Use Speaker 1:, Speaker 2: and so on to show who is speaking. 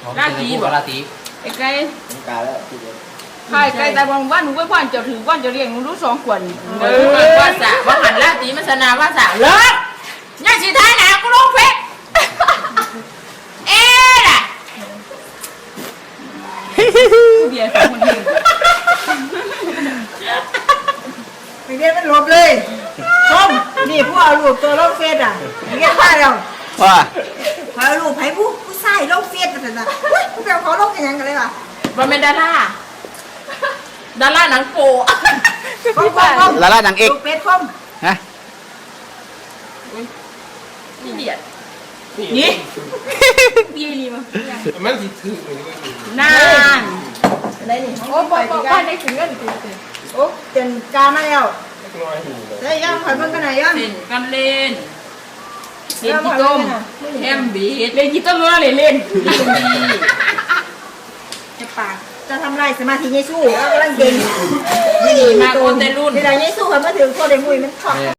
Speaker 1: ลาตีบ่ลาตีไอ้ไก่
Speaker 2: กาแล้วทีเดียว
Speaker 1: ใช่ไก่แต่บางวันหนูก็ว่านจะถือว่านจะเลี้ยงหนูรู้2 ขวดว่าสะว่าหันลาตีมันสนาว่าสะเลิกยังสิท้ายหนากูลงเพชรล่ะเบียร์2 คนเอง
Speaker 3: ไม่เรียนมันลบเลยส้มนี่ผู้เอาลูกตัวลงเฟซอ่ะเรียนว่าเรา
Speaker 4: ว่า
Speaker 3: พอเอาลูกไผ่ผู้ชายลงเฟซกันนะผู้แบบเขาลงกันยังกันเลยว่ะ
Speaker 1: มันเป็นดาราหนังโป
Speaker 3: คม
Speaker 4: ลาล่าดังเอก
Speaker 3: ลูกเป็ดคม
Speaker 4: ฮะ
Speaker 1: นี่เดียดนี่พี่นี่มั้ง
Speaker 2: มันสิถือน
Speaker 1: าน
Speaker 3: อะไรนี่
Speaker 1: โอ้ป้าได้ถึงเงิน
Speaker 3: โอ้เต็นกามาแล้ว
Speaker 2: น้อยหู
Speaker 3: ได้ยังข่อยเบิ่งกันไหนยัง
Speaker 1: เล่นกันเล่นเล่นกี่ต้มแฮมบีเล่นกี่ต้มรู้แล้วเล่นจะปาก
Speaker 3: จะทำไรสมาธิเยซูกำลังเก่ง
Speaker 1: มาโอนเตรุ่น
Speaker 3: เวลาเยซูเขามาถึงโคเดมุยมันถอด